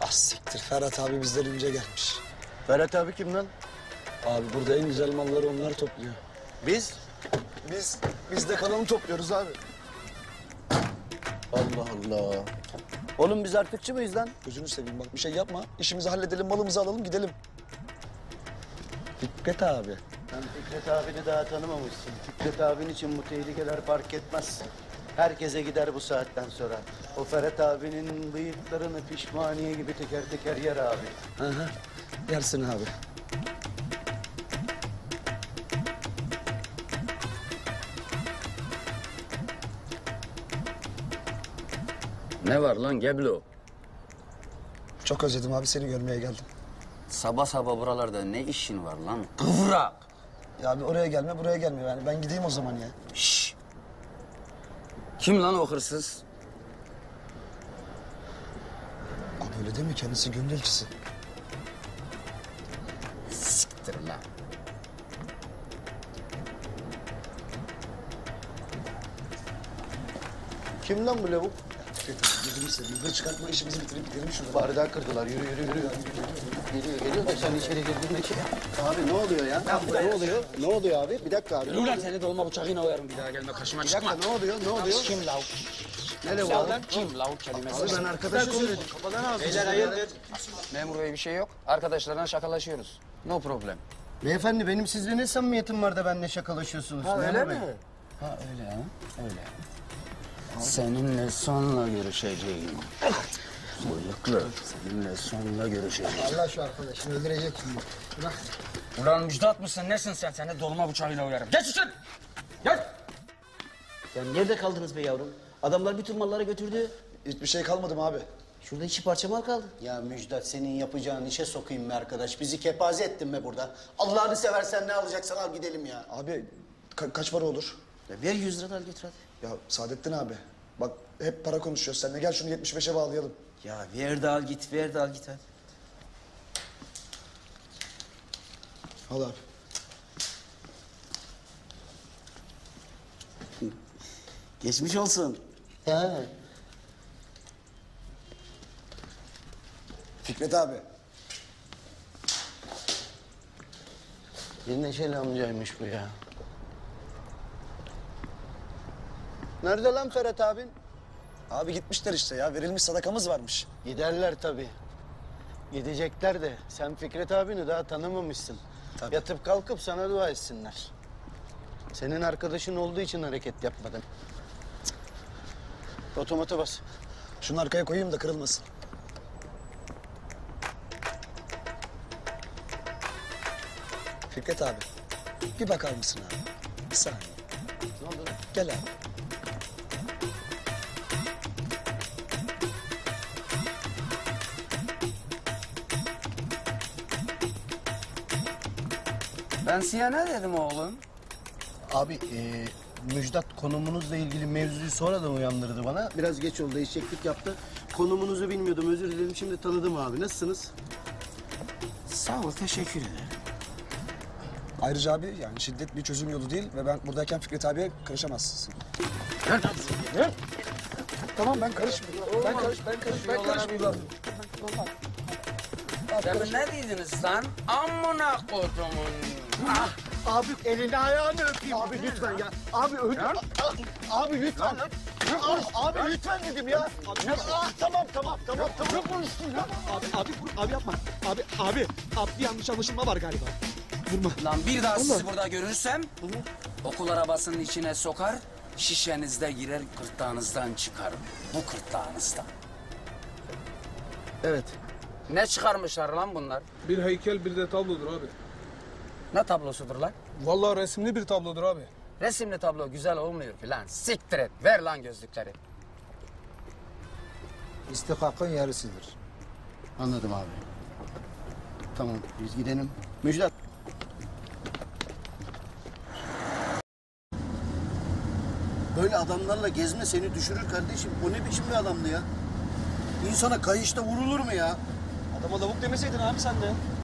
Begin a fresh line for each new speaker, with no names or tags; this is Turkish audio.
Ah siktir, Ferhat abi bizden önce gelmiş.
Ferhat abi kim lan?
Abi burada en güzel malları onlar topluyor.
Biz?
Biz de kalanı topluyoruz abi.
Allah Allah. Oğlum biz artıkçı mıyız lan?
Gözünü seveyim bak bir şey yapma. İşimizi halledelim, malımızı alalım gidelim. Fikret abi.
Sen Fikret abini daha tanımamışsın. Fikret abin için bu tehlikeler fark etmez. Herkese gider bu saatten sonra. O Ferhat abinin bıyıklarını pişmaniye gibi teker teker yer abi.
Hı hı. Yersin abi.
Ne var lan Geblo?
Çok özledim abi, seni görmeye geldim.
Sabah sabah buralarda ne işin var lan? Kıvrak!
Ya abi oraya gelme, buraya gelme yani. Ben gideyim o zaman ya.
Şşş! Kim lan o hırsız?
Abi öyle değil mi? Kendisi gönül elçisi.
Siktir lan.
Kim lan bu lavuk?
Fikret abi gözünü seveyim. Hır çıkartma, işimizi bitirip gidelim şuradan.
Bardağı kırdılar. Yürü yürü yürü. Geliyor da sen içeri girdin ki. Abi ne oluyor ya? Ne oluyor? Ne oluyor abi? Bir dakika abi.
Ulan seni dolma bıçağıyla oyarım bir daha gelme karşıma
Bir
çıkma.
dakika ne oluyor? Ne oluyor?
Kim lav?
Ne lavuk abi?
Kim lav kelimesi?
Abi ben arkadaşa söyledim.
Beyler hayırdır? Memur bey bir şey yok. Arkadaşlarla şakalaşıyoruz. No problem.
Beyefendi benim sizle ne samimiyetim var da benimle şakalaşıyorsunuz? Öyle mi?
Ha öyle ha? Öyle. Seninle sonra görüşeceğim. Bıyıklı. Seninle sonra görüşeceğim.
Allah şu arkadaşını öldürecek şimdi. Bırak.
Ulan Müjdat mısın? Nesin sen? Seni dolma bıçağıyla uyarım. Geç için! Gel!
Ya nerede kaldınız be yavrum? Adamlar bütün malları götürdü.
Hiçbir şey kalmadı mı abi?
Şurada 2 parça mal kaldı.
Ya Müjdat senin yapacağın işe sokayım be arkadaş. Bizi kepaze ettin be burada. Allah'ını seversen ne alacaksan al gidelim ya.
Abi kaç para olur?
Ya ver 100 lira da al götür hadi.
Ya Saadettin abi. Bak hep para konuşuyoruz seninle. Gel şunu 75'e bağlayalım.
Ya ver de al git, ver de al git hadi.
Al abi.
Geçmiş olsun.
He.
Fikret abi.
Bir neşeli amcaymış bu ya. Nerede lan Ferhat abin?
Abi gitmişler işte ya. Verilmiş sadakamız varmış.
Giderler tabii. Gidecekler de sen Fikret abini daha tanımamışsın.
Tabii.
Yatıp kalkıp sana dua etsinler. Senin arkadaşın olduğu için hareket yapmadın. Cık. Otomata bas.
Şunu arkaya koyayım da kırılmasın. Fikret abi. Bir bakar mısın abi? Bir saniye.
Ne oldu?
Gel abi.
Ben size ne dedim oğlum?
Abi Müjdat konumunuzla ilgili mevzuyu sonradan uyandırdı bana. Biraz geç oldu, eşeklik yaptı. Konumunuzu bilmiyordum, özür dilerim. Şimdi tanıdım abi. Nasılsınız?
Sağ ol, teşekkür ederim.
Ayrıca abi yani şiddet bir çözüm yolu değil ve ben buradayken Fikret abiye karışamazsın. Tamam ben karışmıyorum. Ben karışmıyorum.
Sen ne dediniz lan? Amına kodumun. Ah!
Abi elini ayağını öpeyim. Abi lütfen ya. Abi öldür. Abi lütfen. Abi lütfen dedim ya. Tamam. Ne konuştun ya?
Abi yapma. Abi bir yanlış anlaşılma var galiba. Vurma.
Lan bir daha sizi burada görürsem okul arabasının içine sokar, şişenizde girer, gırtlağınızdan çıkarım. Bu gırtlağınızdan.
Evet.
Ne çıkarmışlar lan bunlar?
Bir heykel bir de tablodur abi.
Ne tablosudur lan?
Vallahi resimli bir tablodur abi.
Resimli tablo güzel olmuyor ki lan. Siktir et. Ver lan gözlükleri.
İstihkakın yarısıdır. Anladım abi. Tamam biz gidelim. Müjdat. Böyle adamlarla gezme seni düşürür kardeşim. O ne biçim bir adamdı ya? İnsana kayışta vurulur mu ya?
Adama lavuk demeseydin abi sen de.